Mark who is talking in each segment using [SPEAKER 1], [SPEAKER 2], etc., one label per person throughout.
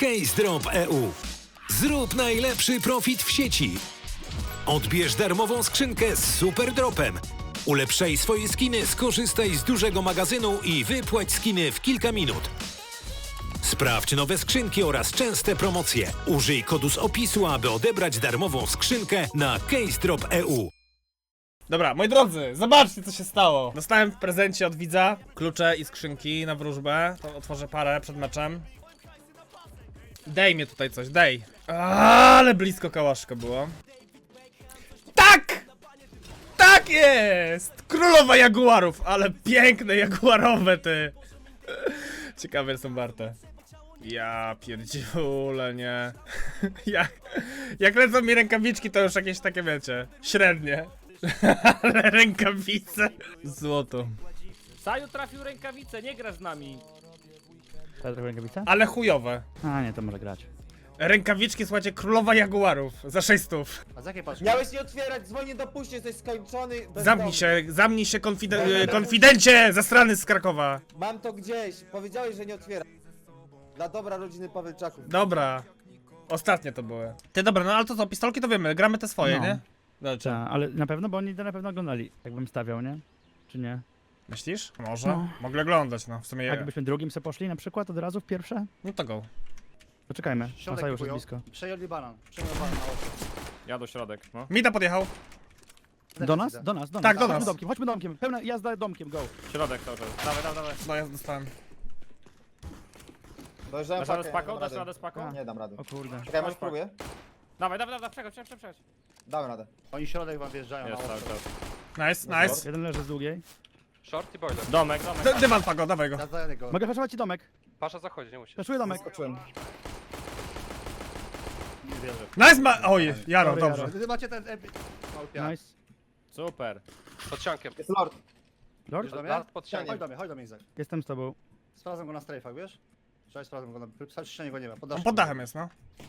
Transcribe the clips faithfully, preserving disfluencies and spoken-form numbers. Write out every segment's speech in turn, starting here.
[SPEAKER 1] CaseDrop kropka e u. Zrób najlepszy profit w sieci. Odbierz darmową skrzynkę z super dropem. Ulepszaj swoje skiny, skorzystaj z dużego magazynu i wypłać skiny w kilka minut. Sprawdź nowe skrzynki oraz częste promocje. Użyj kodu z opisu, aby odebrać darmową skrzynkę na CaseDrop kropka e u.
[SPEAKER 2] Dobra, moi drodzy, zobaczcie co się stało. Dostałem w prezencie od widza klucze i skrzynki na wróżbę. To otworzę parę przed meczem. Dej mnie tutaj coś, dej. Ale blisko kałaszka było. Tak! Tak jest! Królowa jaguarów, ale piękne jaguarowe ty. Ciekawe są warte. Ja pierdziule, nie. Jak, jak lecą mi rękawiczki, to już jakieś takie, wiecie, średnie. Ale rękawice. Złoto.
[SPEAKER 3] Saju trafił rękawicę, nie grasz z nami.
[SPEAKER 4] Teraz trochę rękawica?
[SPEAKER 2] Ale chujowe.
[SPEAKER 4] A nie, to może grać.
[SPEAKER 2] Rękawiczki, słuchajcie, królowa jaguarów. Za sześć stów.
[SPEAKER 4] A z jakiej paczki?
[SPEAKER 5] Miałeś nie otwierać, dzwonię do puści, jesteś skończony. bezdomny.
[SPEAKER 2] Zamknij się, zamknij się, konfide konfidencie, zastrany z Krakowa.
[SPEAKER 5] Mam to gdzieś, powiedziałeś, że nie otwiera. Dla dobra rodziny Pawelczaków.
[SPEAKER 2] Dobra. Ostatnie to były. Ty, dobra, no ale to co, pistolki to wiemy, gramy te swoje,
[SPEAKER 4] No.
[SPEAKER 2] nie? Dobrze.
[SPEAKER 4] Ta, ale na pewno, bo oni to na pewno oglądali, jakbym stawiał, nie? Czy nie?
[SPEAKER 2] Myślisz? Może?
[SPEAKER 4] No.
[SPEAKER 2] Mogę oglądać, no, w sumie.
[SPEAKER 4] A jakbyśmy drugim se poszli na przykład od razu w pierwsze?
[SPEAKER 2] No to go.
[SPEAKER 4] Poczekajmy,
[SPEAKER 6] Środek
[SPEAKER 4] Masa już jest
[SPEAKER 6] kupują.
[SPEAKER 4] blisko.
[SPEAKER 6] Przejęli banan. Przejęli banan na oczy.
[SPEAKER 3] Ja do środek, no.
[SPEAKER 2] Mita podjechał.
[SPEAKER 4] Do nas? Do nas, do nas.
[SPEAKER 2] Tak, do
[SPEAKER 4] Chodźmy
[SPEAKER 2] nas.
[SPEAKER 4] domkiem, chodźmy domkiem, pełna jazda domkiem, go.
[SPEAKER 3] Środek cały czas. Dawaj, dawaj, dawaj.
[SPEAKER 2] No ja dostałem.
[SPEAKER 5] Dojeżdżałem
[SPEAKER 3] Dasz radę
[SPEAKER 5] pakę,
[SPEAKER 3] z paką?
[SPEAKER 5] nie dam
[SPEAKER 3] Dasz
[SPEAKER 5] rady.
[SPEAKER 3] radę z paką?
[SPEAKER 5] Nie dam rady.
[SPEAKER 4] O kurde.
[SPEAKER 5] Czekaj, może
[SPEAKER 3] Masz
[SPEAKER 5] spróbuję?
[SPEAKER 3] Dawaj, dawaj, dawaj, przechodź, przechodź, przechodź.
[SPEAKER 5] Dałem radę.
[SPEAKER 6] Oni środek wam wjeżdżają
[SPEAKER 3] Jest
[SPEAKER 6] na
[SPEAKER 3] cały
[SPEAKER 6] oczy.
[SPEAKER 3] czas.
[SPEAKER 2] Nice, nice.
[SPEAKER 4] Jeden leży z długiej.
[SPEAKER 7] Short i boiler.
[SPEAKER 3] Domek, domek.
[SPEAKER 2] D dywan pago, dawaj go.
[SPEAKER 6] Ja daję go.
[SPEAKER 4] Mogę flashować ci domek.
[SPEAKER 7] Pasza zachodzi, nie musi.
[SPEAKER 4] Flashuję domek.
[SPEAKER 5] Skoczyłem.
[SPEAKER 6] Nie wierzę.
[SPEAKER 2] Nice ma... Oj, Jaro,
[SPEAKER 4] Sorry,
[SPEAKER 2] dobrze.
[SPEAKER 4] Jaro.
[SPEAKER 6] Wy macie ten epi... Małpia.
[SPEAKER 4] Nice.
[SPEAKER 3] Super.
[SPEAKER 7] Pod ściankiem.
[SPEAKER 5] Jest lord.
[SPEAKER 4] Lord?
[SPEAKER 6] Wiesz do mnie?
[SPEAKER 7] Lard pod ściankiem.
[SPEAKER 6] Chodź do mnie, chodź do mnie, Izak.
[SPEAKER 4] Jestem z tobą.
[SPEAKER 6] Sprawdzam go na strajfach, wiesz? Cześć, sprawdzam go na... Przy ścianie go nie ma. Pod
[SPEAKER 2] On
[SPEAKER 6] daszkiem.
[SPEAKER 2] pod dachem jest, no.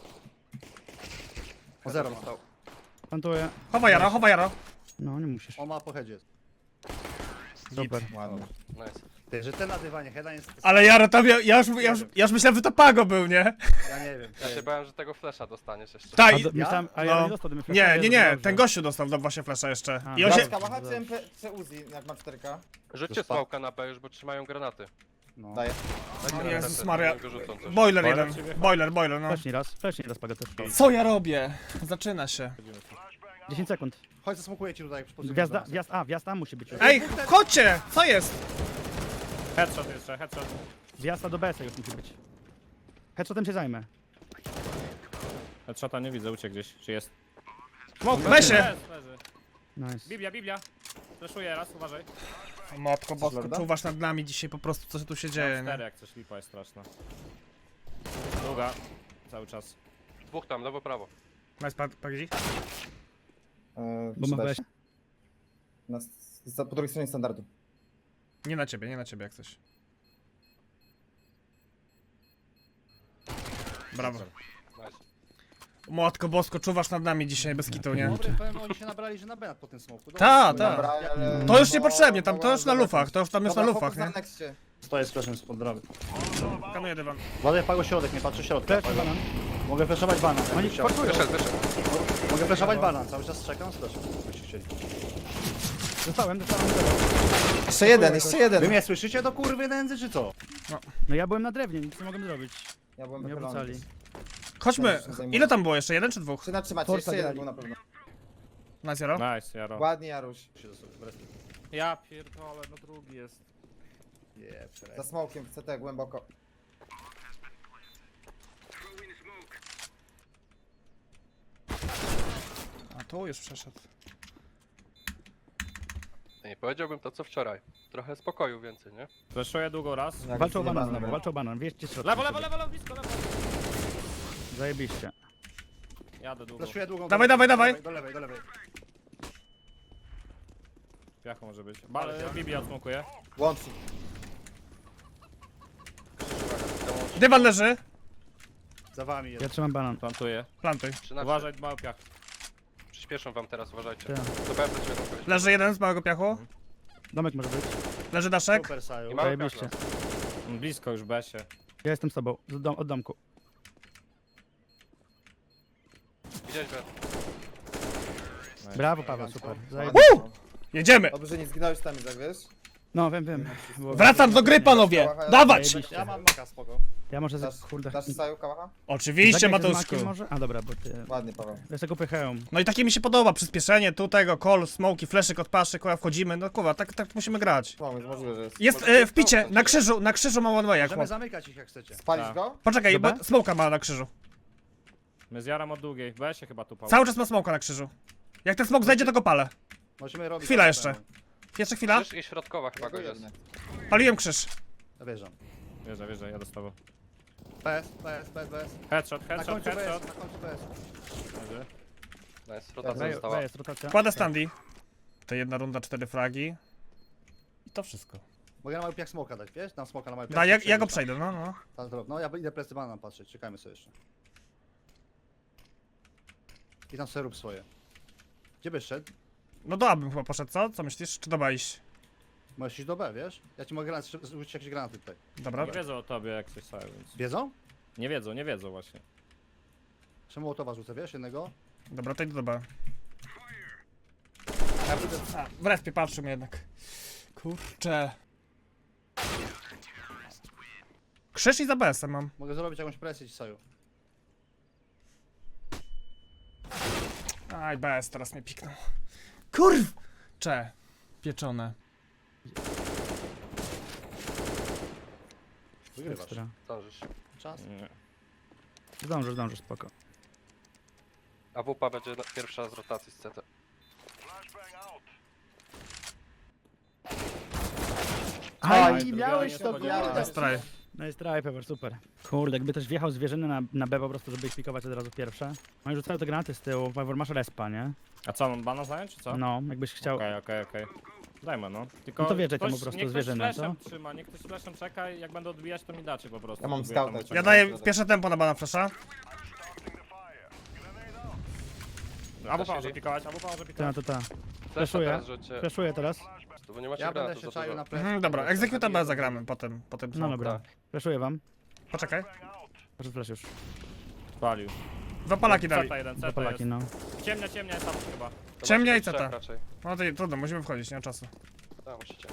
[SPEAKER 6] O zero ma.
[SPEAKER 7] Stał.
[SPEAKER 4] Plantuję.
[SPEAKER 2] Chowa Jaro, chowa Jaro.
[SPEAKER 4] No, nie musisz.
[SPEAKER 6] On ma po headzie.
[SPEAKER 4] Super.
[SPEAKER 5] Ładnie.
[SPEAKER 7] Nice.
[SPEAKER 6] Ty, że ten na dywanie, heada jest...
[SPEAKER 2] Ale Jaro, tam ja, ja, już, ja, już, ja już myślałem, że to pago był, nie?
[SPEAKER 6] Ja nie wiem.
[SPEAKER 7] Ja się bałem, że tego flasha dostaniesz jeszcze.
[SPEAKER 2] Tak,
[SPEAKER 4] A,
[SPEAKER 2] i-
[SPEAKER 4] do, myślałem, a ja
[SPEAKER 2] No.
[SPEAKER 4] nie dostał, gdybym
[SPEAKER 2] nie,
[SPEAKER 4] flashował,
[SPEAKER 2] nie,
[SPEAKER 4] to
[SPEAKER 2] nie,
[SPEAKER 4] dobrze.
[SPEAKER 2] ten gościu dostał do właśnie flasha jeszcze.
[SPEAKER 4] A,
[SPEAKER 2] I on się...
[SPEAKER 5] Laska, wahacie M P C Uzi, jak ma cztery K.
[SPEAKER 7] Rzućcie
[SPEAKER 6] Już pa-
[SPEAKER 7] smoka na B już, bo trzymają granaty.
[SPEAKER 6] No.
[SPEAKER 5] Daję.
[SPEAKER 7] Dajcie
[SPEAKER 2] O
[SPEAKER 7] granatę,
[SPEAKER 2] Jezus
[SPEAKER 7] wtedy
[SPEAKER 2] Maria.
[SPEAKER 7] go rzucą coś.
[SPEAKER 2] Boiler
[SPEAKER 3] Boiler
[SPEAKER 2] jeden.
[SPEAKER 3] ciebie?
[SPEAKER 2] Boiler, boiler, no.
[SPEAKER 4] Wcześniej raz, wcześniej raz pago też.
[SPEAKER 2] Co ja robię? Zaczyna się.
[SPEAKER 4] dziesięć sekund.
[SPEAKER 6] Chodź, zasmokuję ci tutaj. przy
[SPEAKER 4] Gwiazda,
[SPEAKER 6] pozycji.
[SPEAKER 4] gwiazd, a, gwiazda musi być już.
[SPEAKER 2] Ej, chodźcie! Co jest?
[SPEAKER 3] Headshot jeszcze, headshot.
[SPEAKER 4] Gwiazda do B S-a już musi być. Headshotem się zajmę.
[SPEAKER 3] Headshota nie widzę, uciekł gdzieś. Czy jest?
[SPEAKER 2] Wesie!
[SPEAKER 3] Jest, leży.
[SPEAKER 4] Nice.
[SPEAKER 3] Biblia, Biblia. Fleszuję raz, uważaj.
[SPEAKER 2] Matko bosko,
[SPEAKER 5] lorda?
[SPEAKER 2] czuwasz nad nami dzisiaj po prostu, co tu się dzieje,
[SPEAKER 3] Cztery
[SPEAKER 2] nie?
[SPEAKER 3] jak coś, lipa jest straszna. Długa. Cały czas.
[SPEAKER 7] Dwóch tam, lewo, prawo.
[SPEAKER 2] Nice, pa- pagzi.
[SPEAKER 5] Eee,
[SPEAKER 4] Bo ma
[SPEAKER 5] przydać.
[SPEAKER 4] weź.
[SPEAKER 5] Na, s- po drugiej stronie standardu.
[SPEAKER 2] Nie na ciebie, nie na ciebie jak coś. Brawo.
[SPEAKER 7] Nice.
[SPEAKER 2] Matko bosko, czuwasz nad nami dzisiaj bez kitu, nie?
[SPEAKER 6] Dobry, powiem, oni się nabrali, że na benat po tym smoku. Dobra,
[SPEAKER 2] Ta,
[SPEAKER 6] spokojnie.
[SPEAKER 2] ta.
[SPEAKER 5] Dobra, ale...
[SPEAKER 2] To już
[SPEAKER 5] bo-
[SPEAKER 2] niepotrzebnie, tam
[SPEAKER 5] bo-
[SPEAKER 2] to już na
[SPEAKER 5] bo-
[SPEAKER 2] lufach, to już tam już na
[SPEAKER 5] Dobra,
[SPEAKER 2] lufach,
[SPEAKER 5] fokus na
[SPEAKER 2] nie?
[SPEAKER 5] nexcie.
[SPEAKER 6] Stoję z flashem spod drawy.
[SPEAKER 2] Kanuję dywan.
[SPEAKER 6] Ładuję pago środek, nie patrzę środka.
[SPEAKER 4] Flash, banan.
[SPEAKER 6] Mogę flashować banan.
[SPEAKER 4] Oni
[SPEAKER 6] jakbyś chciał.
[SPEAKER 4] forsują.
[SPEAKER 7] Wyszedł, wyszedł.
[SPEAKER 6] Mogę flashować banan, cały czas czekam z flashem. Jakbyście chcieli.
[SPEAKER 4] Dostałem, dostałem.
[SPEAKER 5] Jeszcze jeden, jeszcze
[SPEAKER 6] Wy
[SPEAKER 5] jeden.
[SPEAKER 6] mnie słyszycie do kurwy nędzy, czy co?
[SPEAKER 4] No ja byłem na drewnie, nic nie mogłem zrobić.
[SPEAKER 5] Ja byłem
[SPEAKER 4] Nie
[SPEAKER 5] wychylony.
[SPEAKER 4] obracali.
[SPEAKER 2] Chodźmy. Ile tam było jeszcze? Jeden czy dwóch?
[SPEAKER 5] Czy natrzymać,
[SPEAKER 4] Forsa
[SPEAKER 5] jeszcze jeden
[SPEAKER 4] grali.
[SPEAKER 5] był na pewno.
[SPEAKER 2] Na zero?
[SPEAKER 3] Nice, Jaro.
[SPEAKER 5] Ładnie, Jaruś.
[SPEAKER 3] Ja pierdolę, no drugi jest.
[SPEAKER 6] Nie,
[SPEAKER 5] Za smokiem, w C T głęboko.
[SPEAKER 2] A tu już przeszedł.
[SPEAKER 7] Nie powiedziałbym to co wczoraj. Trochę spokoju więcej, nie?
[SPEAKER 3] Fleszuję długo raz.
[SPEAKER 5] Jak
[SPEAKER 4] Walczą o
[SPEAKER 5] nie
[SPEAKER 4] banan
[SPEAKER 5] ma
[SPEAKER 4] znowu,
[SPEAKER 5] numeru.
[SPEAKER 4] walczą o banan, wieźcie środek.
[SPEAKER 3] Lewo, lewo, lewo, lewo, blisko, lewo.
[SPEAKER 4] Zajebiście.
[SPEAKER 3] Jadę długo.
[SPEAKER 6] Flashuję długą.
[SPEAKER 2] Dawaj,
[SPEAKER 6] do lewej,
[SPEAKER 2] dawaj,
[SPEAKER 6] Do lewej, do lewej.
[SPEAKER 3] Piacho może być. Bal, Biblia odsmokuje.
[SPEAKER 5] Łącznik.
[SPEAKER 2] Dywan leży.
[SPEAKER 6] Za wami jest.
[SPEAKER 4] Ja trzymam banan.
[SPEAKER 3] Plantuję.
[SPEAKER 2] Plantuj.
[SPEAKER 7] trzynaście.
[SPEAKER 3] Uważaj, mały piach.
[SPEAKER 7] Przyspieszą wam teraz, uważajcie.
[SPEAKER 4] Tak.
[SPEAKER 7] To B będziemy dokończyć.
[SPEAKER 2] Leży jeden z małego piachu.
[SPEAKER 4] Domek może być.
[SPEAKER 2] Leży daszek.
[SPEAKER 6] Super Saju.
[SPEAKER 7] I mały
[SPEAKER 4] Zajebiście.
[SPEAKER 7] piach
[SPEAKER 3] Blisko już Besie.
[SPEAKER 4] Ja jestem z tobą, z dom, od domku.
[SPEAKER 7] Gdzieś B.
[SPEAKER 4] Brawo Paweł, super. Zajeb...
[SPEAKER 2] Jedziemy!
[SPEAKER 5] Dobrze, że nie zginąłeś tam, jak wiesz?
[SPEAKER 4] No wiem, wiem. Było-
[SPEAKER 2] Wracam do gry, panowie! Dawać!
[SPEAKER 4] Zajebiście.
[SPEAKER 6] Ja mam maka, spoko.
[SPEAKER 4] Ja może
[SPEAKER 5] Dasz,
[SPEAKER 4] z... kurde...
[SPEAKER 5] dasz Saju kałacha?
[SPEAKER 2] Oczywiście,
[SPEAKER 4] Zagraj ze
[SPEAKER 2] Mateuszku.
[SPEAKER 4] Smakiem może? A dobra, bo ty...
[SPEAKER 5] Ładnie, Paweł.
[SPEAKER 4] Ja sobie pychałem.
[SPEAKER 2] No i takie mi się podoba, przyspieszenie tu tego, call, smoki, fleszyk od paszy, kurwa, wchodzimy, no kurwa, tak, tak musimy grać.
[SPEAKER 5] Pomysł, możliwe, że jest.
[SPEAKER 2] Jest e, w picie, na krzyżu, na krzyżu ma one way, jak
[SPEAKER 6] Możemy
[SPEAKER 2] chłop.
[SPEAKER 6] zamykać ich jak chcecie.
[SPEAKER 5] Spalić
[SPEAKER 3] Tak.
[SPEAKER 5] go?
[SPEAKER 2] Poczekaj,
[SPEAKER 4] Dobra.
[SPEAKER 2] bo smoka ma na krzyżu.
[SPEAKER 3] My z Jarem od długiej. Weź się chyba tu Paweł.
[SPEAKER 2] Cały czas ma smoka na krzyżu. Jak ten smok zejdzie, to go palę.
[SPEAKER 6] Możemy robić...
[SPEAKER 2] Chwila
[SPEAKER 6] tak
[SPEAKER 2] jeszcze.
[SPEAKER 6] samo.
[SPEAKER 2] Jeszcze chwila.
[SPEAKER 7] Krzyż i środkowa chyba
[SPEAKER 5] Ja go
[SPEAKER 7] go jest.
[SPEAKER 5] jednę.
[SPEAKER 2] Paliłem krzyż.
[SPEAKER 6] Ja wierzę.
[SPEAKER 3] Wierzę, wierzę, ja dostaję.
[SPEAKER 6] P S, P S, P S, P S.
[SPEAKER 3] Headshot,
[SPEAKER 6] Na
[SPEAKER 3] headshot,
[SPEAKER 6] końcu P S,
[SPEAKER 3] headshot.
[SPEAKER 6] na końcu P S.
[SPEAKER 3] Leży.
[SPEAKER 7] Nice, rotacja
[SPEAKER 4] Wej-
[SPEAKER 7] została.
[SPEAKER 4] Jest rotacja.
[SPEAKER 2] Kładę standy. To jedna runda, cztery fragi. I to wszystko.
[SPEAKER 6] Mogę na mały piach smoka dać, wiesz? Dam smoka na mały piach.
[SPEAKER 2] Da, ja, ja go przejdę, no, no.
[SPEAKER 6] Tak, dobra. No ja idę plecy banan patrzeć, czekajmy sobie jeszcze. I tam sobie rób swoje. Gdzie byś szedł?
[SPEAKER 2] No do A bym chyba poszedł, co? Co myślisz? Czy do B iść?
[SPEAKER 6] Możesz iść do B, wiesz? Ja ci mogę granat, rzucić jakieś granaty tutaj.
[SPEAKER 2] Dobra.
[SPEAKER 3] Nie wiedzą o tobie jak coś całe, więc...
[SPEAKER 6] Wiedzą?
[SPEAKER 3] Nie wiedzą, nie wiedzą właśnie.
[SPEAKER 6] Jeszcze Mołotowa rzucę, wiesz? Jednego?
[SPEAKER 2] Dobra, to idę do B. A, w respie patrzymy jednak. Kurczę. Krzyż i za B S-em mam.
[SPEAKER 6] Mogę zrobić jakąś presję ci Saju.
[SPEAKER 2] Aj, B S teraz mnie piknął. Kurw! Cze. Pieczone.
[SPEAKER 6] Wygrywasz.
[SPEAKER 4] Ekstra.
[SPEAKER 7] Zdążysz.
[SPEAKER 6] Czas.
[SPEAKER 3] Nie.
[SPEAKER 4] Zdążysz, zdążysz, spoko.
[SPEAKER 7] A W P będzie na- pierwsza z rotacji z C T.
[SPEAKER 4] Aj,
[SPEAKER 3] druga
[SPEAKER 4] miałeś
[SPEAKER 3] nie
[SPEAKER 4] to,
[SPEAKER 3] spodziewałem.
[SPEAKER 4] kurde.
[SPEAKER 2] Straj.
[SPEAKER 4] No jest try, Pepper, super. Kurde, jakby też wjechał zwierzyny na, na B po prostu, żeby ich pikować od razu pierwsze. No i rzucają te granaty z tyłu, Pepper, masz respa, nie?
[SPEAKER 3] A co, mam bana zająć, czy co?
[SPEAKER 4] No, jakbyś chciał...
[SPEAKER 3] Okej, okej, okej. Dajmy no. Tylko
[SPEAKER 4] No to wjeżdżaj tam
[SPEAKER 3] ktoś-
[SPEAKER 4] po prostu
[SPEAKER 3] niech
[SPEAKER 4] zwierzynę,
[SPEAKER 3] ktoś flashem
[SPEAKER 4] co?
[SPEAKER 3] trzyma, niech ktoś flashem czeka i jak będę odbijać, to mi dacie po prostu.
[SPEAKER 5] Ja mam
[SPEAKER 3] Próbuję tam
[SPEAKER 5] scouta.
[SPEAKER 3] uciekać.
[SPEAKER 2] Ja daję pierwsze tempo na bana flasha.
[SPEAKER 3] Albo pan może pikować, albo pan może
[SPEAKER 4] Ta,
[SPEAKER 3] pikować.
[SPEAKER 4] to ta.
[SPEAKER 7] Flesza
[SPEAKER 4] Flashuję.
[SPEAKER 7] teraz rzućcie.
[SPEAKER 4] Flashuję teraz.
[SPEAKER 7] To bo nie macie
[SPEAKER 6] Ja będę
[SPEAKER 7] granatów
[SPEAKER 6] się
[SPEAKER 7] za
[SPEAKER 6] czaił
[SPEAKER 7] dużo.
[SPEAKER 6] na plecy.
[SPEAKER 2] Mhm, dobra, executa B zagramy potem, potem
[SPEAKER 4] No dobra. Flashuję wam.
[SPEAKER 2] Poczekaj.
[SPEAKER 4] Proszę flash już.
[SPEAKER 3] Palił.
[SPEAKER 2] Dwa palaki dali.
[SPEAKER 3] Ceta jeden,
[SPEAKER 4] Dwa
[SPEAKER 3] ceta
[SPEAKER 4] Polaki,
[SPEAKER 3] jest.
[SPEAKER 4] no.
[SPEAKER 3] Ciemnia, ciemnia jest tam chyba.
[SPEAKER 7] To
[SPEAKER 2] Ciemnia
[SPEAKER 7] macie
[SPEAKER 2] i
[SPEAKER 7] trzech
[SPEAKER 2] ceta.
[SPEAKER 7] raczej.
[SPEAKER 2] No to trudno, musimy wchodzić, nie ma czasu.
[SPEAKER 7] Tak, musicie.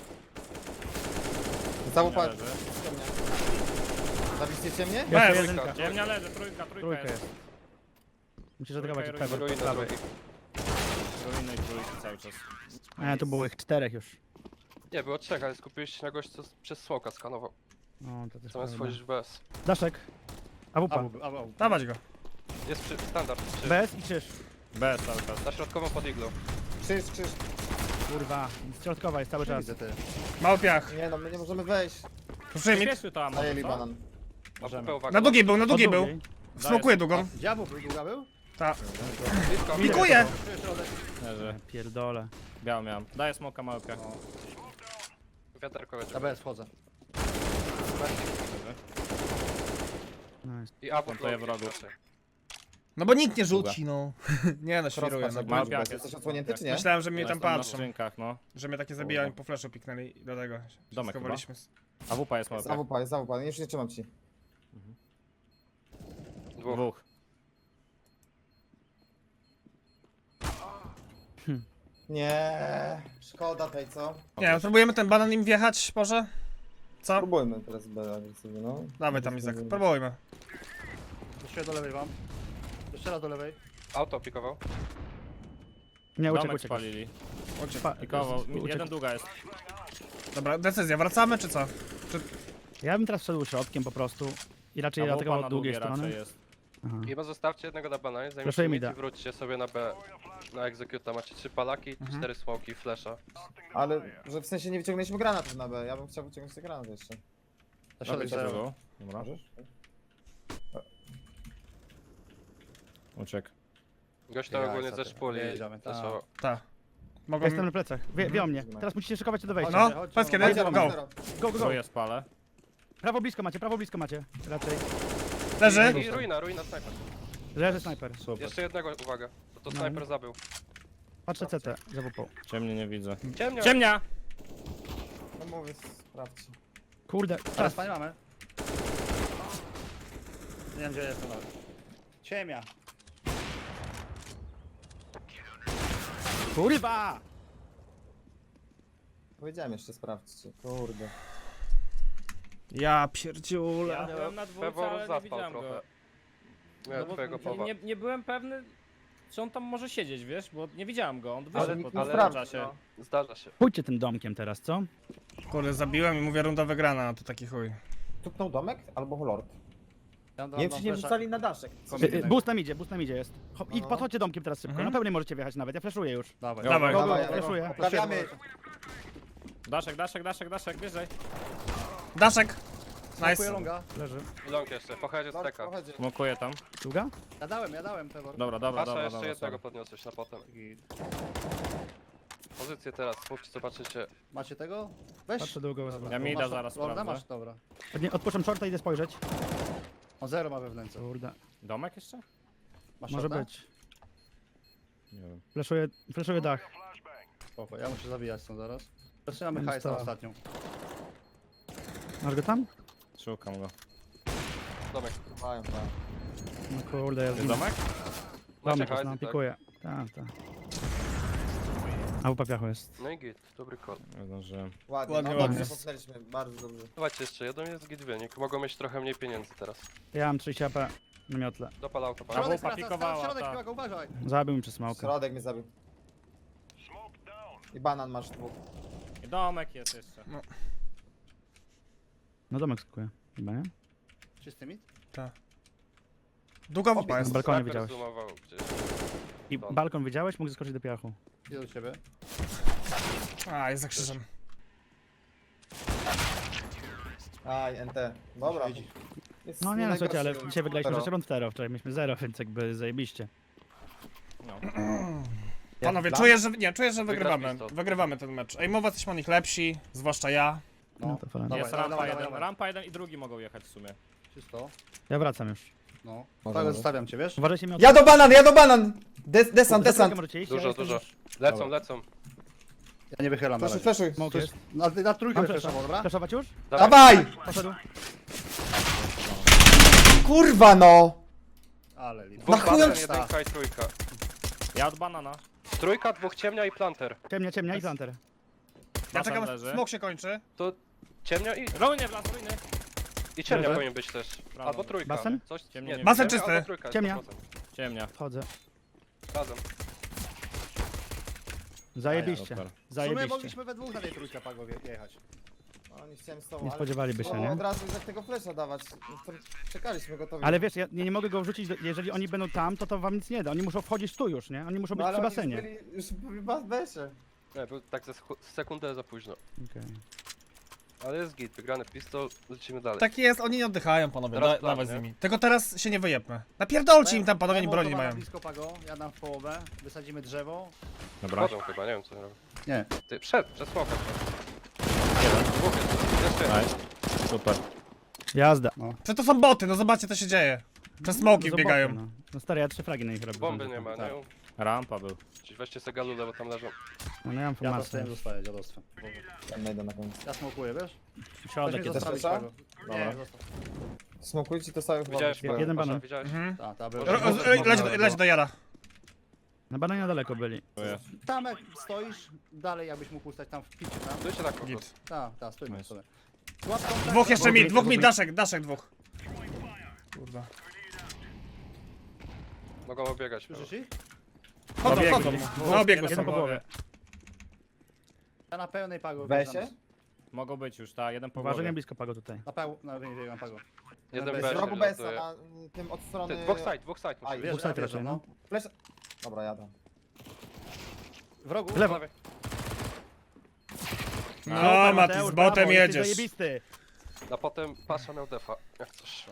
[SPEAKER 5] Cały
[SPEAKER 3] Nie
[SPEAKER 5] pal...
[SPEAKER 3] leży.
[SPEAKER 5] Zabiliście mnie?
[SPEAKER 2] Bez.
[SPEAKER 4] Jeszcze jedynka.
[SPEAKER 3] Ciemnia leży, trójka, trójka
[SPEAKER 4] Trójka
[SPEAKER 3] jest.
[SPEAKER 4] jest. Musisz atakować
[SPEAKER 3] Trójka i
[SPEAKER 4] Pepper.
[SPEAKER 7] Ruiny
[SPEAKER 4] prawo.
[SPEAKER 7] drugi.
[SPEAKER 3] Ruiny i trójki cały czas.
[SPEAKER 4] A, tu było ich czterech już.
[SPEAKER 7] Nie, było trzech, ale skupiłeś się na gość, co przez smoka skanował.
[SPEAKER 4] No, to też
[SPEAKER 7] Zamiast
[SPEAKER 4] prawda.
[SPEAKER 7] wchodzić w B S.
[SPEAKER 4] Daszek. A wupa.
[SPEAKER 6] Abu, abu, abu.
[SPEAKER 2] Dawać go.
[SPEAKER 7] Jest przy... standard. Trzy.
[SPEAKER 4] B S i krzyż.
[SPEAKER 3] Bez cały czas.
[SPEAKER 7] Na środkową pod iglą.
[SPEAKER 5] Krzyż, krzyż.
[SPEAKER 4] Kurwa. Środkowa jest cały czas.
[SPEAKER 6] Widzę ty.
[SPEAKER 2] Mały piach.
[SPEAKER 5] Nie no, my nie możemy wejść.
[SPEAKER 2] Proszę mi.
[SPEAKER 3] Przyspieszył to, a może
[SPEAKER 5] Zajęli
[SPEAKER 3] co?
[SPEAKER 5] banan.
[SPEAKER 7] A
[SPEAKER 3] Możemy.
[SPEAKER 7] W P uwaga.
[SPEAKER 2] Na długiej był, na
[SPEAKER 4] O,
[SPEAKER 2] długiej był.
[SPEAKER 4] długiej.
[SPEAKER 2] Smokuję długą.
[SPEAKER 6] Diabeł był, długa był?
[SPEAKER 2] Ta.
[SPEAKER 7] Blisko.
[SPEAKER 2] Pikuję!
[SPEAKER 6] Tu jest środek.
[SPEAKER 3] Leży.
[SPEAKER 4] Pierdole.
[SPEAKER 3] Białą miałem. Daję smoka mały piach.
[SPEAKER 7] Wiaderko będzie.
[SPEAKER 6] Na B S wchodzę.
[SPEAKER 4] Nice.
[SPEAKER 7] I A W
[SPEAKER 3] Plantuję
[SPEAKER 7] P
[SPEAKER 3] wrogów.
[SPEAKER 7] raczej.
[SPEAKER 2] No bo nikt nie rzuci, no. Nie no, świruję.
[SPEAKER 5] Crosspass,
[SPEAKER 2] No.
[SPEAKER 5] jak
[SPEAKER 3] Mały
[SPEAKER 5] masz
[SPEAKER 3] piach
[SPEAKER 5] bez.
[SPEAKER 3] jest.
[SPEAKER 5] Jesteś odsłonięty czy nie?
[SPEAKER 2] Myślałem, że mnie tam
[SPEAKER 3] Jestem na
[SPEAKER 2] patrzą.
[SPEAKER 3] skrzynkach, no.
[SPEAKER 2] Że mnie takie zabijają po flashu piknęli i dlatego się
[SPEAKER 3] Domek chyba?
[SPEAKER 2] schowaliśmy.
[SPEAKER 3] A wupa jest mały
[SPEAKER 5] Jest
[SPEAKER 3] piach.
[SPEAKER 5] A W P, jest A W P, już nie trzymam ci.
[SPEAKER 7] Dwóch.
[SPEAKER 3] Dwóch.
[SPEAKER 5] Nie, szkoda tej, co?
[SPEAKER 2] Nie, no, próbujemy ten banan im wjechać, może? Co?
[SPEAKER 5] Próbujmy teraz B agresywnie, no.
[SPEAKER 2] Dawaj tam Izak, próbujmy.
[SPEAKER 6] Jeszcze do lewej wam. Jeszcze raz do lewej.
[SPEAKER 7] Auto pikował.
[SPEAKER 4] Nie, uciekł,
[SPEAKER 3] Domek
[SPEAKER 4] uciekł.
[SPEAKER 3] spalili.
[SPEAKER 4] Pa-
[SPEAKER 3] Pikował.
[SPEAKER 4] uciekł.
[SPEAKER 3] Jeden długa jest.
[SPEAKER 2] Dobra, decyzja, wracamy czy co?
[SPEAKER 4] Ja bym teraz wszedł środkiem po prostu. I raczej
[SPEAKER 3] A wupa
[SPEAKER 4] atakował
[SPEAKER 3] na
[SPEAKER 4] od długiej
[SPEAKER 3] długie raczej
[SPEAKER 4] strony.
[SPEAKER 3] jest.
[SPEAKER 4] Aha.
[SPEAKER 7] Chyba zostawcie jednego na bananie,
[SPEAKER 4] Proszę
[SPEAKER 7] zajmijcie
[SPEAKER 4] mi
[SPEAKER 7] mid
[SPEAKER 4] da.
[SPEAKER 7] i wróćcie sobie na B. Na executa macie trzy palaki,
[SPEAKER 2] Mhm.
[SPEAKER 7] cztery smoki, flesza.
[SPEAKER 5] Ale, że w sensie nie wyciągnęliśmy granatów na B, ja bym chciał wyciągnąć te granaty jeszcze.
[SPEAKER 6] Na środek
[SPEAKER 3] Robię
[SPEAKER 6] zero.
[SPEAKER 3] drugą. Dobra.
[SPEAKER 5] Możesz?
[SPEAKER 3] Uciekł.
[SPEAKER 7] Gość to
[SPEAKER 6] Ja,
[SPEAKER 7] ogólnie
[SPEAKER 6] co
[SPEAKER 7] ze
[SPEAKER 6] ty.
[SPEAKER 7] szpuli.
[SPEAKER 6] Jedziemy, tak.
[SPEAKER 7] fleszował.
[SPEAKER 2] Tak.
[SPEAKER 4] Ja
[SPEAKER 2] Mogą...
[SPEAKER 4] jestem na plecach. Wie, wie o mnie. Teraz musicie szykować się do wejścia.
[SPEAKER 2] No,
[SPEAKER 6] Chodźcie,
[SPEAKER 2] powiedz kiedy,
[SPEAKER 6] chodźcie,
[SPEAKER 2] go.
[SPEAKER 5] Zero, zero.
[SPEAKER 4] Go, go, go.
[SPEAKER 3] Tróję spalę.
[SPEAKER 4] Prawo blisko macie, prawo blisko macie. Raczej.
[SPEAKER 2] Leży?
[SPEAKER 7] I ruina, ruina snajper.
[SPEAKER 4] Leży snajper.
[SPEAKER 3] Super.
[SPEAKER 7] Jeszcze jednego, uwaga. Bo to
[SPEAKER 4] No.
[SPEAKER 7] snajper zabił.
[SPEAKER 4] Patrzę C T za wupą.
[SPEAKER 3] Ciemnie nie widzę.
[SPEAKER 7] Ciemnia!
[SPEAKER 3] Ciemnia!
[SPEAKER 5] No mówię, sprawdźcie.
[SPEAKER 4] Kurde,
[SPEAKER 6] Teraz
[SPEAKER 4] czas.
[SPEAKER 6] panie mamy. Nie wiem gdzie jestem nawet. Ciemia.
[SPEAKER 4] Kurwa!
[SPEAKER 5] Powiedziałem jeszcze sprawdźcie, kurde.
[SPEAKER 2] Ja pierdziule.
[SPEAKER 3] Ja byłem na dwójce,
[SPEAKER 7] Pewor
[SPEAKER 3] ale nie
[SPEAKER 7] zaspał
[SPEAKER 3] widziałem
[SPEAKER 7] trochę.
[SPEAKER 3] go.
[SPEAKER 7] Miałem
[SPEAKER 3] No bo
[SPEAKER 7] twojego
[SPEAKER 3] nie,
[SPEAKER 7] powa.
[SPEAKER 3] nie, nie byłem pewny, czy on tam może siedzieć, wiesz, bo nie widziałem go, on
[SPEAKER 5] Ale
[SPEAKER 3] wyszedł
[SPEAKER 5] nikt
[SPEAKER 3] po
[SPEAKER 5] nie
[SPEAKER 3] tym
[SPEAKER 5] sprawdzi,
[SPEAKER 3] czasie.
[SPEAKER 5] no.
[SPEAKER 7] Zdarza się.
[SPEAKER 4] Pójdźcie tym domkiem teraz, co?
[SPEAKER 2] Kurde, zabiłem i mówię runda wygrana, a to taki chuj.
[SPEAKER 5] Tupnął domek albo lord.
[SPEAKER 6] Ja
[SPEAKER 5] Nie wiem, czy nie wrzucali na daszek.
[SPEAKER 4] Y, y, Boost nam idzie, boost nam idzie jest. Ho,
[SPEAKER 5] No,
[SPEAKER 4] I
[SPEAKER 5] no.
[SPEAKER 4] podchodźcie domkiem teraz szybko.
[SPEAKER 2] Mhm.
[SPEAKER 4] Na pełnej możecie wjechać nawet, ja flashuję już.
[SPEAKER 6] Dawaj.
[SPEAKER 2] Dawaj.
[SPEAKER 4] Go, go,
[SPEAKER 5] Dawaj,
[SPEAKER 4] flashuję.
[SPEAKER 5] Poprawiamy.
[SPEAKER 3] Daszek, daszek, daszek, daszek, wyżej.
[SPEAKER 2] Daszek!
[SPEAKER 6] Smokuję
[SPEAKER 2] Nice.
[SPEAKER 6] longa.
[SPEAKER 4] Leży.
[SPEAKER 7] Long jeszcze, pochodzie z
[SPEAKER 5] Lord,
[SPEAKER 7] teka.
[SPEAKER 5] pochodzi.
[SPEAKER 3] Smokuję tam.
[SPEAKER 4] Długa?
[SPEAKER 6] Ja dałem, ja dałem, Pewor.
[SPEAKER 3] Dobra, dobra,
[SPEAKER 7] Pasza
[SPEAKER 3] dobra,
[SPEAKER 7] jeszcze
[SPEAKER 3] dobra.
[SPEAKER 7] jednego
[SPEAKER 3] sorry.
[SPEAKER 7] podniosłeś na potem. Pozycję teraz, mówcie, zobaczycie.
[SPEAKER 6] Macie tego? Weź.
[SPEAKER 4] Patrzę długo.
[SPEAKER 3] Ja
[SPEAKER 6] Masz
[SPEAKER 3] mida zaraz
[SPEAKER 6] Lorda masz,
[SPEAKER 3] sprawdzę.
[SPEAKER 6] dobra.
[SPEAKER 4] Nie, odpuszczam shorta, idę spojrzeć.
[SPEAKER 6] On zero ma we wnęce.
[SPEAKER 4] Kurde,
[SPEAKER 3] Domek jeszcze?
[SPEAKER 6] Masz
[SPEAKER 4] może
[SPEAKER 6] shorta?
[SPEAKER 4] być.
[SPEAKER 3] Nie wiem.
[SPEAKER 4] Flashuję, flashuję dach.
[SPEAKER 6] Spoko, ja muszę zabijać stąd zaraz. Zaczynamy
[SPEAKER 4] Będzie
[SPEAKER 6] hajs na
[SPEAKER 4] stała.
[SPEAKER 6] ostatnią.
[SPEAKER 4] Masz go tam?
[SPEAKER 3] Szukam go.
[SPEAKER 7] Domek.
[SPEAKER 5] Mają, mają.
[SPEAKER 4] No kurde, ja
[SPEAKER 3] Jest domek?
[SPEAKER 7] Macie
[SPEAKER 4] domek jest,
[SPEAKER 7] hajs
[SPEAKER 4] no,
[SPEAKER 7] i tak.
[SPEAKER 4] pikuję. Tak, tak. A u papiachu jest.
[SPEAKER 7] No i git, dobry call.
[SPEAKER 3] Nie zdążyłem.
[SPEAKER 5] Ładnie,
[SPEAKER 2] Ładnie,
[SPEAKER 5] no
[SPEAKER 2] ładnie.
[SPEAKER 5] dobrze, popchnęliśmy, bardzo dobrze.
[SPEAKER 7] Dawajcie jeszcze jeden, jest git wynik. Mogą mieć trochę mniej pieniędzy teraz.
[SPEAKER 4] Ja mam trzydzieści A P na miotle.
[SPEAKER 7] Dopal auto,
[SPEAKER 3] Brawo.
[SPEAKER 7] pan.
[SPEAKER 6] Środek
[SPEAKER 3] łupa
[SPEAKER 6] skraca,
[SPEAKER 3] pikowała,
[SPEAKER 6] środek
[SPEAKER 3] tak.
[SPEAKER 6] piłaka, uważaj.
[SPEAKER 4] Zabił mi przez smoka.
[SPEAKER 5] Środek mnie zabił. I banan masz dwóch.
[SPEAKER 3] I domek jest jeszcze.
[SPEAKER 4] No domek skakuje. Chyba nie?
[SPEAKER 6] Czysty mit?
[SPEAKER 2] Długa wupa
[SPEAKER 4] Na
[SPEAKER 2] jest.
[SPEAKER 4] balkonie
[SPEAKER 7] Sniper
[SPEAKER 4] widziałeś.
[SPEAKER 7] zoomował gdzieś.
[SPEAKER 4] I balkon widziałeś? Mógł zeskoczyć do piachu.
[SPEAKER 6] Idę do ciebie.
[SPEAKER 2] A, jest za krzyżem.
[SPEAKER 5] Aj, N T. Dobra. Jest
[SPEAKER 4] No nie no, słuchajcie, ale
[SPEAKER 5] najgorszy.
[SPEAKER 4] dzisiaj wygraliśmy
[SPEAKER 5] Zero.
[SPEAKER 4] rzeczy rund zero. Wczoraj mieliśmy zero, więc jakby zajebiście.
[SPEAKER 3] No.
[SPEAKER 2] Panowie,
[SPEAKER 5] plan?
[SPEAKER 2] czuję, że nie, czuję, że wygrywamy.
[SPEAKER 7] pistol.
[SPEAKER 2] Wygrywamy ten mecz. Ejmowa jesteśmy o nich lepsi, zwłaszcza ja.
[SPEAKER 4] No to fajnie.
[SPEAKER 6] Dawaj,
[SPEAKER 3] Jest
[SPEAKER 6] dawaj,
[SPEAKER 3] rampa
[SPEAKER 6] dawaj,
[SPEAKER 3] jeden,
[SPEAKER 6] dawaj.
[SPEAKER 3] rampa jeden i drugi mogą jechać w sumie.
[SPEAKER 6] Czysto.
[SPEAKER 4] Ja wracam już.
[SPEAKER 6] No.
[SPEAKER 5] Może,
[SPEAKER 6] Tak,
[SPEAKER 5] może.
[SPEAKER 6] zostawiam cię, wiesz?
[SPEAKER 4] Uważajcie mi od...
[SPEAKER 5] Ja do banan, ja do banan! Des, desant,
[SPEAKER 4] Za
[SPEAKER 5] desant!
[SPEAKER 4] trójkę możecie iść,
[SPEAKER 7] Dużo,
[SPEAKER 4] ja jestem
[SPEAKER 7] dużo.
[SPEAKER 4] już-
[SPEAKER 7] Lecą,
[SPEAKER 6] Dobra.
[SPEAKER 7] lecą.
[SPEAKER 6] Ja nie wychylam na
[SPEAKER 5] Fleszuj,
[SPEAKER 6] razie.
[SPEAKER 5] fleszuj.
[SPEAKER 4] Smok jest.
[SPEAKER 6] Na, na trójkę
[SPEAKER 4] Mam
[SPEAKER 6] wyfreszował,
[SPEAKER 4] flasha.
[SPEAKER 6] dobra?
[SPEAKER 4] Flashować już?
[SPEAKER 5] Dawaj!
[SPEAKER 4] Poszedł.
[SPEAKER 5] Kurwa no!
[SPEAKER 6] Ale lipa.
[SPEAKER 7] Dwóch
[SPEAKER 5] Na chuj on
[SPEAKER 7] planter, jedynka i trójka.
[SPEAKER 3] Ja od banana.
[SPEAKER 7] Trójka, dwóch ciemnia i planter.
[SPEAKER 4] Ciemnia, ciemnia i planter.
[SPEAKER 2] Ja
[SPEAKER 3] Basen
[SPEAKER 2] czekam,
[SPEAKER 3] leży.
[SPEAKER 2] smok się kończy.
[SPEAKER 7] To ciemnia i,
[SPEAKER 3] Ruiny w las, ruiny.
[SPEAKER 7] i ciemnia
[SPEAKER 4] Leży.
[SPEAKER 7] powinien być też. Albo trójka.
[SPEAKER 4] Basen?
[SPEAKER 7] Coś,
[SPEAKER 3] Ciemnia nie
[SPEAKER 2] Basen
[SPEAKER 7] ciemnia
[SPEAKER 2] czysty.
[SPEAKER 7] albo trójka,
[SPEAKER 4] Ciemnia.
[SPEAKER 7] sto procent.
[SPEAKER 3] Ciemnia.
[SPEAKER 4] Wchodzę.
[SPEAKER 7] Razem.
[SPEAKER 4] Zajebiście.
[SPEAKER 3] super.
[SPEAKER 6] W sumie
[SPEAKER 4] Zajebiście.
[SPEAKER 6] mogliśmy we dwóch na tej trójkę Pago wje- jechać.
[SPEAKER 5] No, nie chciałem z tobą,
[SPEAKER 4] Nie
[SPEAKER 5] ale-
[SPEAKER 4] spodziewaliby się,
[SPEAKER 5] O,
[SPEAKER 4] nie?
[SPEAKER 5] Od razu jak tego flesza dawać. No to czekaliśmy gotowi.
[SPEAKER 4] Ale wiesz, ja nie, nie mogę go wrzucić, do, jeżeli oni będą tam, to to wam nic nie da. Oni muszą wchodzić tu już, nie? Oni muszą być
[SPEAKER 5] no, ale
[SPEAKER 4] przy
[SPEAKER 5] oni
[SPEAKER 4] basenie.
[SPEAKER 5] Już, byli, już byli w bas- besie.
[SPEAKER 7] Nie, był tak ze schu- sekundę za późno.
[SPEAKER 4] Okej.
[SPEAKER 7] Ale jest git, wygrany pistol, lecimy dalej.
[SPEAKER 2] Tak jest, oni nie oddychają, panowie.
[SPEAKER 7] Teraz
[SPEAKER 2] Da,
[SPEAKER 7] plan,
[SPEAKER 2] dawaj z
[SPEAKER 7] nie?
[SPEAKER 2] nimi. Tylko teraz się nie wyjebmy. Napierdolcie im tam, panowie, oni broni nie
[SPEAKER 6] Mołotowa na
[SPEAKER 2] mają.
[SPEAKER 6] blisko Pago, ja dam w połowę, wysadzimy drzewo.
[SPEAKER 3] Dobra.
[SPEAKER 7] Wchodzą chyba, nie wiem co robią.
[SPEAKER 6] Nie.
[SPEAKER 7] Ty, przed, przez smoka. Jeden. Dwóch jest, jeszcze jeden.
[SPEAKER 3] Nice. Super.
[SPEAKER 4] Jazda.
[SPEAKER 2] Przecież to są boty, no zobaczcie co się dzieje. Przez smoki
[SPEAKER 4] No,
[SPEAKER 2] wbiegają.
[SPEAKER 4] zobaczmy, No. no stary, ja trzy fragi na nich robię.
[SPEAKER 7] Bomby nie ma, nie?
[SPEAKER 6] Tak.
[SPEAKER 3] Rampa był.
[SPEAKER 7] Czyli weźcie se galulę, bo tam leżą.
[SPEAKER 4] No, no ja mam
[SPEAKER 6] Ja
[SPEAKER 4] formację.
[SPEAKER 6] dostałem, zostaję dziadostwem.
[SPEAKER 5] Tam najdę na koniec.
[SPEAKER 6] Ja smokuję, wiesz?
[SPEAKER 4] Środek
[SPEAKER 6] Weź mnie
[SPEAKER 4] jest.
[SPEAKER 6] zostawić,
[SPEAKER 5] Dobra.
[SPEAKER 6] Pago.
[SPEAKER 5] Dobra.
[SPEAKER 6] Nie, zostaw.
[SPEAKER 5] Smokujcie to sobie chyba.
[SPEAKER 7] Widziałeś?
[SPEAKER 5] wyszło.
[SPEAKER 4] jeden
[SPEAKER 7] Pasza,
[SPEAKER 4] banan.
[SPEAKER 7] Widziałeś?
[SPEAKER 2] Mhm.
[SPEAKER 6] Ta, ta, był.
[SPEAKER 7] Ro-
[SPEAKER 2] Ro- ro- Leć, do- leć do Jara.
[SPEAKER 4] Na bananie daleko byli.
[SPEAKER 6] Tam jak stoisz, dalej jakbyś mógł ustać tam w piciu, tam.
[SPEAKER 7] Stójcie tak po prostu.
[SPEAKER 2] Git.
[SPEAKER 6] Tak, tak, stójmy
[SPEAKER 3] Nice.
[SPEAKER 6] sobie. Łap kontakt,
[SPEAKER 2] Dwóch jeszcze
[SPEAKER 6] łap-
[SPEAKER 2] mi, dwóch mi, daszek, daszek dwóch. Kurwa.
[SPEAKER 7] Mogą obiegać.
[SPEAKER 6] Słyszysz ich?
[SPEAKER 2] Chodzą,
[SPEAKER 4] Obiegli.
[SPEAKER 2] chodzą. No obiegły
[SPEAKER 4] Jeden
[SPEAKER 2] są.
[SPEAKER 4] po głowie.
[SPEAKER 6] Ja na pełnej Pago.
[SPEAKER 5] Wesie?
[SPEAKER 6] wjeżdżam.
[SPEAKER 3] Mogą być już, ta, jeden po
[SPEAKER 4] Uważaj,
[SPEAKER 3] głowie.
[SPEAKER 4] nie blisko pago tutaj.
[SPEAKER 6] Na peł... na wyjęłam Pago.
[SPEAKER 7] Jeden
[SPEAKER 6] bez-
[SPEAKER 7] bez.
[SPEAKER 5] Z rogu besa na mm, tym od strony...
[SPEAKER 7] Ty, dwóch side, dwóch side.
[SPEAKER 5] Aj,
[SPEAKER 7] musi być.
[SPEAKER 6] Wiesz,
[SPEAKER 4] Dwóch side
[SPEAKER 6] ja
[SPEAKER 4] raczej,
[SPEAKER 6] wjeżdżam,
[SPEAKER 4] no.
[SPEAKER 5] Flash... Dobra, jadę.
[SPEAKER 6] W rogu?
[SPEAKER 4] W lewo.
[SPEAKER 7] Prawie.
[SPEAKER 2] No
[SPEAKER 4] Super,
[SPEAKER 2] Mati, z
[SPEAKER 4] Mateusz,
[SPEAKER 2] botem
[SPEAKER 4] brawo, jesteś
[SPEAKER 2] jedziesz.
[SPEAKER 4] zajebisty.
[SPEAKER 7] A potem pasza miał defa. Jak coś.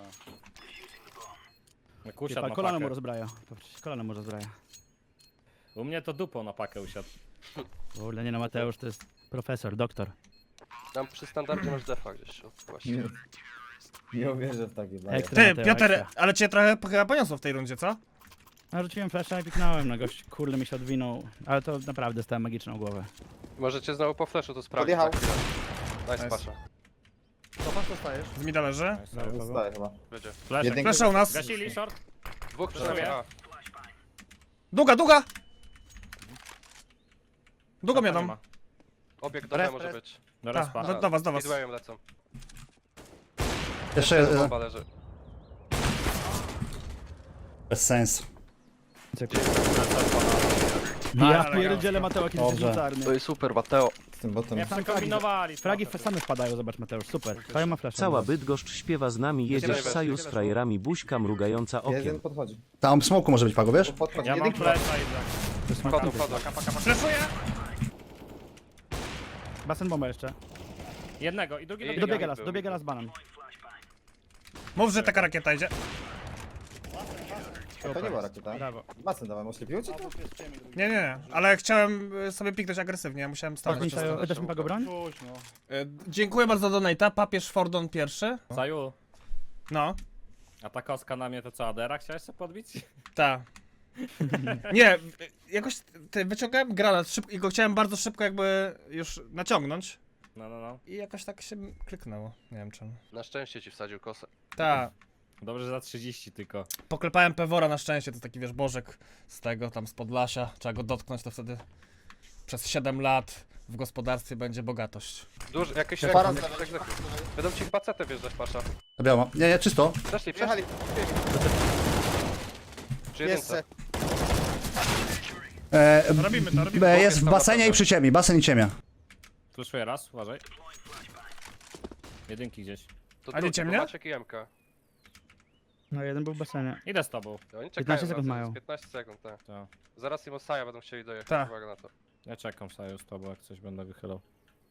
[SPEAKER 3] Kusiad
[SPEAKER 4] Typa,
[SPEAKER 3] na
[SPEAKER 4] kolano mu
[SPEAKER 3] pakę.
[SPEAKER 4] rozbraja. Patrz, kolano mu rozbraja.
[SPEAKER 3] U mnie to dupą na pakę usiadł.
[SPEAKER 4] Kurde, nie no, Mateusz to jest profesor, doktor.
[SPEAKER 7] Tam przy standardzie masz defa gdzieś. o, Właśnie.
[SPEAKER 5] Nie, nie uwierzę w takie baje.
[SPEAKER 4] Ekstra,
[SPEAKER 2] Ty,
[SPEAKER 4] Mateo,
[SPEAKER 2] Piotr,
[SPEAKER 4] ekstra.
[SPEAKER 2] ale cię trochę chyba poniosło w tej rundzie, co?
[SPEAKER 4] No, rzuciłem flasha i piknąłem, no gość, kurde mi się odwinął. Ale to naprawdę stałem magiczną głowę.
[SPEAKER 7] Możecie znowu po flashu to sprawdzić.
[SPEAKER 5] Podjechał.
[SPEAKER 7] za chwilę. Nice,
[SPEAKER 2] Nice.
[SPEAKER 7] pasza.
[SPEAKER 6] To patrz, dostajesz.
[SPEAKER 2] Z mida leży.
[SPEAKER 5] Zostaje chyba.
[SPEAKER 7] Będzie.
[SPEAKER 3] Fleszek.
[SPEAKER 5] Jedynka-
[SPEAKER 2] Flesza u nas.
[SPEAKER 3] Gasili, short.
[SPEAKER 7] Dwóch
[SPEAKER 3] Flashuję.
[SPEAKER 7] przynajmniej. A.
[SPEAKER 2] Długa, długa! Długo
[SPEAKER 3] Nie
[SPEAKER 2] miadą.
[SPEAKER 3] ma.
[SPEAKER 7] Obieg do
[SPEAKER 6] Res,
[SPEAKER 7] B może
[SPEAKER 6] res.
[SPEAKER 7] być.
[SPEAKER 3] Do
[SPEAKER 2] Ta,
[SPEAKER 3] respa.
[SPEAKER 2] do, do was, do was.
[SPEAKER 7] Speedwayem lecą.
[SPEAKER 6] Jeszcze jeden.
[SPEAKER 7] Bomba leży.
[SPEAKER 8] Bez sensu.
[SPEAKER 4] Ja
[SPEAKER 2] ale
[SPEAKER 4] pierdzielę Mateo, jaki jesteś
[SPEAKER 8] Dobrze.
[SPEAKER 4] mocarny.
[SPEAKER 7] jest super, Mateo.
[SPEAKER 5] Z tym botem.
[SPEAKER 3] Nie kombinowali.
[SPEAKER 4] Fragi same wpadają, zobacz Mateusz, super. Fajo ma flash.
[SPEAKER 9] Cała Bydgoszcz śpiewa z nami, jedziesz
[SPEAKER 7] najwyżej.
[SPEAKER 9] Saju z frajerami, buźka mrugająca
[SPEAKER 5] Jeden
[SPEAKER 9] okiem.
[SPEAKER 5] podchodzi.
[SPEAKER 6] Tam smoku może być pago, wiesz?
[SPEAKER 5] Podchodzi.
[SPEAKER 3] Ja mam
[SPEAKER 5] Jeden
[SPEAKER 3] flesza i za.
[SPEAKER 7] Wchodzą, wchodzą.
[SPEAKER 2] Flashuję!
[SPEAKER 4] Basen bomba jeszcze.
[SPEAKER 3] Jednego i drugi
[SPEAKER 7] I
[SPEAKER 3] dobiega.
[SPEAKER 4] Dobiega
[SPEAKER 7] był,
[SPEAKER 4] las, dobiega las banan.
[SPEAKER 2] Mów, że taka rakieta idzie.
[SPEAKER 5] To nie była rakieta.
[SPEAKER 4] Brawo.
[SPEAKER 5] Basen dawaj, oślepił cię to?
[SPEAKER 2] Nie, nie, nie, ale chciałem y, sobie piknąć agresywnie, ja musiałem
[SPEAKER 4] Tak,
[SPEAKER 2] stanąć.
[SPEAKER 4] Sajo, dasz mi pago broń?
[SPEAKER 2] Y, Dziękuję bardzo za donate'a, papież Fordon pierwszy.
[SPEAKER 3] Saju,
[SPEAKER 2] No,
[SPEAKER 3] a ta kostka na mnie to co, Adera chciałeś sobie podbić?
[SPEAKER 2] ta. Nie, y, jakoś ty, wyciągałem granat szybko i go chciałem bardzo szybko jakby już naciągnąć.
[SPEAKER 3] No, no, no.
[SPEAKER 2] I jakoś tak się kliknęło, nie wiem czemu.
[SPEAKER 7] Na szczęście ci wsadził kosę.
[SPEAKER 2] Ta,
[SPEAKER 3] Dobrze, że za trzydzieści tylko.
[SPEAKER 2] poklepałem Pewora na szczęście, to taki wiesz, bożek z tego, tam z Podlasia. Trzeba go dotknąć, to wtedy przez siedem lat w gospodarstwie będzie bogatość.
[SPEAKER 7] Duży, jakieś
[SPEAKER 5] Para
[SPEAKER 7] jakieś tak, tak. Będą ci pacetę wjeżdżać, pasza.
[SPEAKER 6] Biała. Nie, nie, czysto.
[SPEAKER 7] Przeszli,
[SPEAKER 5] Przyjechali.
[SPEAKER 7] przeszli. Przy jedynce.
[SPEAKER 5] Jeszcze.
[SPEAKER 6] E,
[SPEAKER 2] Robimy to, robimy
[SPEAKER 6] B
[SPEAKER 2] to.
[SPEAKER 6] jest w basenie i przy ciemni. Basen i ciemia.
[SPEAKER 3] Fluszuję raz, uważaj. Jedynki gdzieś.
[SPEAKER 7] To
[SPEAKER 2] A nie
[SPEAKER 7] drugi,
[SPEAKER 2] ciemnia?
[SPEAKER 7] bo Maciek i M K.
[SPEAKER 4] No jeden był w basenie.
[SPEAKER 3] Idę z tobą.
[SPEAKER 7] I Oni czekają
[SPEAKER 4] piętnaście
[SPEAKER 7] na
[SPEAKER 4] sekund
[SPEAKER 7] to,
[SPEAKER 4] mają.
[SPEAKER 7] jest piętnaście sekund, tak.
[SPEAKER 3] To.
[SPEAKER 7] Zaraz im Osaja będą chcieli dojechać,
[SPEAKER 2] Tak.
[SPEAKER 7] uwaga na to.
[SPEAKER 3] Ja czekam Saju z tobą, jak coś będę wychylał.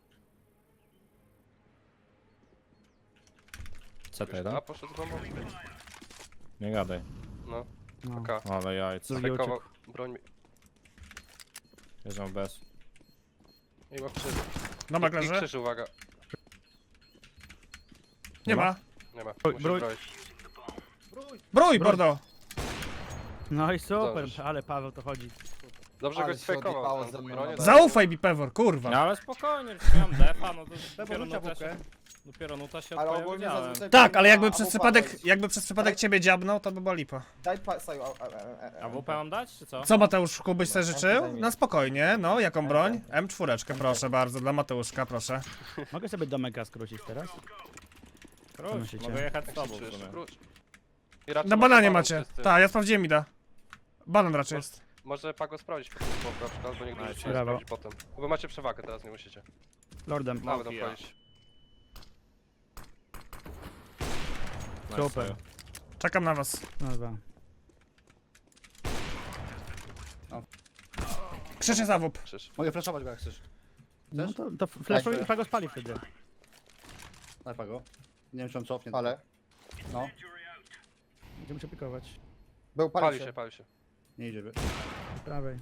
[SPEAKER 3] Co
[SPEAKER 7] Już
[SPEAKER 3] ty,
[SPEAKER 7] A
[SPEAKER 3] no?
[SPEAKER 7] poszedł z bombą?
[SPEAKER 3] Nie gadaj.
[SPEAKER 7] No,
[SPEAKER 4] No.
[SPEAKER 7] K.
[SPEAKER 3] Ale jajc.
[SPEAKER 4] Drugi
[SPEAKER 7] Stakował, broń mi.
[SPEAKER 3] Bierzemy bez.
[SPEAKER 7] I ma krzyż.
[SPEAKER 2] Dobra,
[SPEAKER 7] I
[SPEAKER 2] leży.
[SPEAKER 7] krzyż, uwaga.
[SPEAKER 2] Nie ma.
[SPEAKER 7] Nie ma,
[SPEAKER 4] Brój,
[SPEAKER 7] musi
[SPEAKER 4] brój.
[SPEAKER 7] zbroić.
[SPEAKER 2] Brój, Bordo!
[SPEAKER 4] No i super,
[SPEAKER 7] Zdążysz.
[SPEAKER 4] ale Paweł to chodzi.
[SPEAKER 7] Dobrze
[SPEAKER 5] Ale
[SPEAKER 7] go
[SPEAKER 5] się
[SPEAKER 7] sfejkował.
[SPEAKER 5] odjebało
[SPEAKER 7] ten
[SPEAKER 5] ze mną
[SPEAKER 7] bronię.
[SPEAKER 5] na
[SPEAKER 2] Zaufaj mi, Pewor, kurwa.
[SPEAKER 3] No ale spokojnie, już miałem defa, no to dopiero
[SPEAKER 6] rzucia
[SPEAKER 3] nuta się,
[SPEAKER 6] wupkę.
[SPEAKER 3] dopiero nuta się
[SPEAKER 5] Ale
[SPEAKER 3] odpowiedziałem.
[SPEAKER 5] ogólnie zazwyczaj...
[SPEAKER 2] Tak, ale jakby
[SPEAKER 5] A,
[SPEAKER 2] przez
[SPEAKER 5] a,
[SPEAKER 2] przypadek,
[SPEAKER 5] wejdź.
[SPEAKER 2] jakby przez przypadek ciebie dziabnął, to by była lipa.
[SPEAKER 5] Daj pa... Saju, a, a, a, a,
[SPEAKER 3] A W P mam dać, czy co?
[SPEAKER 2] Co Mateuszku byś sobie
[SPEAKER 5] No,
[SPEAKER 2] życzył?
[SPEAKER 5] zajmij.
[SPEAKER 2] Na spokojnie, no, jaką broń? M cztery, proszę bardzo, dla Mateuszka, proszę.
[SPEAKER 4] Mogę sobie domeka skrócić teraz?
[SPEAKER 3] Króć,
[SPEAKER 4] myślicie?
[SPEAKER 3] mogę jechać z
[SPEAKER 7] Jak
[SPEAKER 3] tobą
[SPEAKER 7] się
[SPEAKER 3] w
[SPEAKER 7] czujesz?
[SPEAKER 3] sumie.
[SPEAKER 7] Wróć. I raczej
[SPEAKER 2] Na
[SPEAKER 7] może
[SPEAKER 2] bananie
[SPEAKER 7] Pago
[SPEAKER 2] macie.
[SPEAKER 7] wszyscy.
[SPEAKER 2] Tak, ja sprawdziłem Mida. Banan raczej jest.
[SPEAKER 7] Może Pago sprawdzić po prostu na przykład, bo nigdy nie
[SPEAKER 3] Nice.
[SPEAKER 7] trzeba
[SPEAKER 4] Brawo.
[SPEAKER 7] sprawdzić potem. Bo macie przewagę, teraz nie musicie.
[SPEAKER 4] Lordem.
[SPEAKER 7] No, będą
[SPEAKER 3] ja.
[SPEAKER 7] wchodzić.
[SPEAKER 3] Nice,
[SPEAKER 4] Super.
[SPEAKER 3] Saju.
[SPEAKER 2] Czekam na was.
[SPEAKER 4] No dwa.
[SPEAKER 2] Krzyczy zawód.
[SPEAKER 7] Krzyż.
[SPEAKER 6] Mogę flashować go jak chcesz.
[SPEAKER 4] No to, to flashuj i Pago spali wtedy.
[SPEAKER 6] Daj pago. Nie wiem czy on cofnie.
[SPEAKER 5] Ale.
[SPEAKER 6] No,
[SPEAKER 4] Będziemy się pikować.
[SPEAKER 5] Był
[SPEAKER 7] Pali
[SPEAKER 5] pali
[SPEAKER 7] się,
[SPEAKER 5] się.
[SPEAKER 7] pali się.
[SPEAKER 6] nie idzie.
[SPEAKER 4] Z prawej.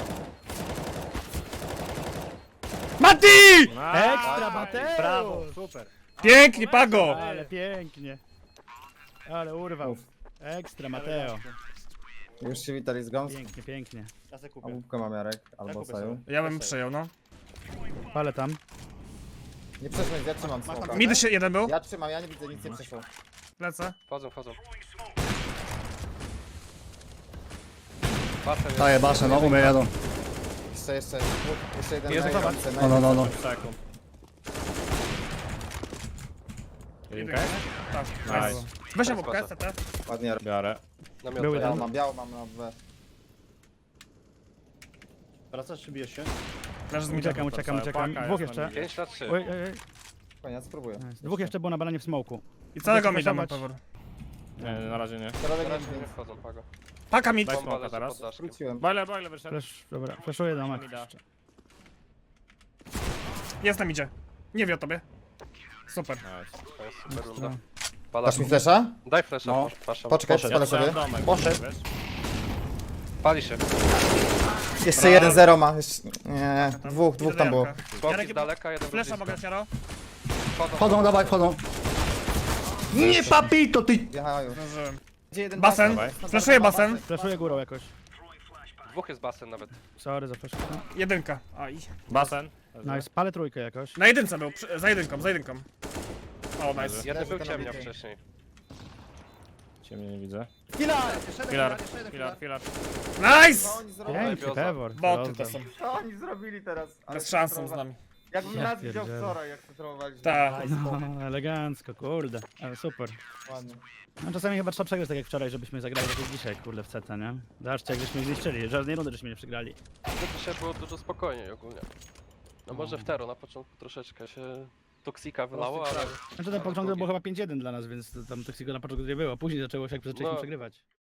[SPEAKER 2] Mati!
[SPEAKER 4] Ekstra Mateusz!
[SPEAKER 6] Brawo, super.
[SPEAKER 2] Pięknie, Pago!
[SPEAKER 4] Ale pięknie. Ale urwał. Ekstra Mateo.
[SPEAKER 5] Już się witali z gąs.
[SPEAKER 4] Pięknie, pięknie.
[SPEAKER 6] Ja se
[SPEAKER 5] A
[SPEAKER 6] kupię.
[SPEAKER 5] łupkę mam Jarek, albo
[SPEAKER 6] kupię
[SPEAKER 5] Saju.
[SPEAKER 6] sobie.
[SPEAKER 2] Ja bym przyjął, no.
[SPEAKER 4] Palę tam.
[SPEAKER 5] Nie przeszło, ja trzymam smoka.
[SPEAKER 2] Midy się jeden był.
[SPEAKER 5] Ja trzymam, ja nie widzę, nic nie przeszło.
[SPEAKER 2] Lecę.
[SPEAKER 7] Wchodzą, wchodzą. Basen jest.
[SPEAKER 6] Daję basen, no umie jadą.
[SPEAKER 5] Jeszcze, jeszcze, dwóch, jeszcze jeden
[SPEAKER 2] Jest
[SPEAKER 5] na
[SPEAKER 2] zobacz.
[SPEAKER 5] jedynce, na
[SPEAKER 6] No, no, no, no.
[SPEAKER 3] sekund. Jedynka?
[SPEAKER 2] Tak,
[SPEAKER 3] Nice.
[SPEAKER 2] nice. Weź obok, C T.
[SPEAKER 5] Ładnie, Jarek.
[SPEAKER 3] Biorę.
[SPEAKER 7] Namiot
[SPEAKER 4] Były
[SPEAKER 5] Białą
[SPEAKER 4] tam.
[SPEAKER 5] mam, białą mam na B.
[SPEAKER 6] Wracasz czy bijesz się?
[SPEAKER 2] Leży z mida.
[SPEAKER 4] Uciekam, uciekam, uciekam.
[SPEAKER 3] Paka
[SPEAKER 4] Dwóch
[SPEAKER 3] jest na
[SPEAKER 4] jeszcze.
[SPEAKER 3] midzie.
[SPEAKER 7] pięć na trzy.
[SPEAKER 4] Oj, oj, oj.
[SPEAKER 5] Koniec, spróbuję.
[SPEAKER 4] Nice. Dwóch jeszcze było na bananie w smoku.
[SPEAKER 2] I całego
[SPEAKER 4] Chcecie
[SPEAKER 2] mida ma
[SPEAKER 4] flashować?
[SPEAKER 2] Pewor.
[SPEAKER 3] Nie, na razie nie.
[SPEAKER 5] Środek
[SPEAKER 7] Teraz
[SPEAKER 5] nie
[SPEAKER 7] nie wchodzą, Pago.
[SPEAKER 2] Paka mid.
[SPEAKER 3] Daj
[SPEAKER 7] Bomba
[SPEAKER 3] smoka
[SPEAKER 7] leży
[SPEAKER 3] teraz.
[SPEAKER 7] pod daszkiem.
[SPEAKER 5] Wróciłem.
[SPEAKER 3] Boiler, boiler wyszedł.
[SPEAKER 4] Flash, dobra, flashuję domek.
[SPEAKER 3] Mida.
[SPEAKER 2] Jest na midzie. Nie wie o tobie. Super.
[SPEAKER 3] Nice.
[SPEAKER 7] To jest super runda.
[SPEAKER 4] No.
[SPEAKER 7] Pada.
[SPEAKER 5] Dasz mi flesza?
[SPEAKER 7] Daj flasha,
[SPEAKER 6] No.
[SPEAKER 7] pasza.
[SPEAKER 5] Poczekaj,
[SPEAKER 6] Poszedł.
[SPEAKER 5] spalę
[SPEAKER 3] Strzelam
[SPEAKER 5] sobie.
[SPEAKER 3] domek,
[SPEAKER 6] Poszedł.
[SPEAKER 3] wiesz?
[SPEAKER 7] Pali się.
[SPEAKER 5] Jeszcze jeden zero ma. Jeszcze... Nie, dwóch, dwóch
[SPEAKER 2] Idę
[SPEAKER 5] tam
[SPEAKER 2] do
[SPEAKER 5] było.
[SPEAKER 2] Janka.
[SPEAKER 7] Smoki
[SPEAKER 2] Jarek,
[SPEAKER 7] z daleka, jeden
[SPEAKER 2] Flesza
[SPEAKER 7] blisko.
[SPEAKER 2] mogę, Jaro?
[SPEAKER 7] Wchodzą.
[SPEAKER 6] Wchodzą, dawaj, wchodzą. Nie papito ty!
[SPEAKER 5] Jechają.
[SPEAKER 2] Zdążyłem.
[SPEAKER 5] Gdzie jeden
[SPEAKER 2] Basen.
[SPEAKER 5] basen?
[SPEAKER 2] Flashuję basen.
[SPEAKER 4] Flashuję górą jakoś.
[SPEAKER 7] Dwóch jest basen nawet.
[SPEAKER 4] Sorry za flash.
[SPEAKER 2] Jedynka. Aj.
[SPEAKER 3] Basen.
[SPEAKER 4] Nice, palę trójkę jakoś.
[SPEAKER 2] Na jedynce był, przy- za jedynką, za jedynką. O, nice.
[SPEAKER 7] Jeden
[SPEAKER 5] Leży
[SPEAKER 7] był
[SPEAKER 5] ten
[SPEAKER 7] ciemnia
[SPEAKER 5] obity.
[SPEAKER 7] wcześniej.
[SPEAKER 3] Ciemnie nie widzę.
[SPEAKER 5] Filar!
[SPEAKER 6] Jeszcze jeden
[SPEAKER 3] Filar,
[SPEAKER 6] jeszcze jeden
[SPEAKER 3] filar, filar.
[SPEAKER 2] Nice!
[SPEAKER 5] Co oni zrobili?
[SPEAKER 4] Piękny pewor.
[SPEAKER 2] Boty to są.
[SPEAKER 5] Co oni zrobili teraz? Ale
[SPEAKER 2] Bez szans są z
[SPEAKER 5] scentrowa-
[SPEAKER 2] nami.
[SPEAKER 5] Jakbym
[SPEAKER 4] Ja
[SPEAKER 5] raz widział
[SPEAKER 4] pierdzielę.
[SPEAKER 5] wczoraj, jak centrowaliśmy.
[SPEAKER 2] Tak.
[SPEAKER 4] No, elegancko, kurde. Ale super.
[SPEAKER 5] Ładnie.
[SPEAKER 4] No czasami chyba trzeba przegrać tak jak wczoraj, żebyśmy zagrali tak jak dzisiaj, kurde, w C T, nie? Zobaczcie, jak żeśmy ich zniszczyli. Żadnej rundy żeśmy nie przegrali.
[SPEAKER 7] To dzisiaj było dużo spokojniej ogólnie. No może w Tero na początku troszeczkę się toksika wylało, ale...
[SPEAKER 4] Znaczy ten początek było chyba pięć jeden dla nas, więc tam toksiko na początku nie było. Później zaczęło się, jak zaczęliśmy
[SPEAKER 7] No.
[SPEAKER 4] przegrywać.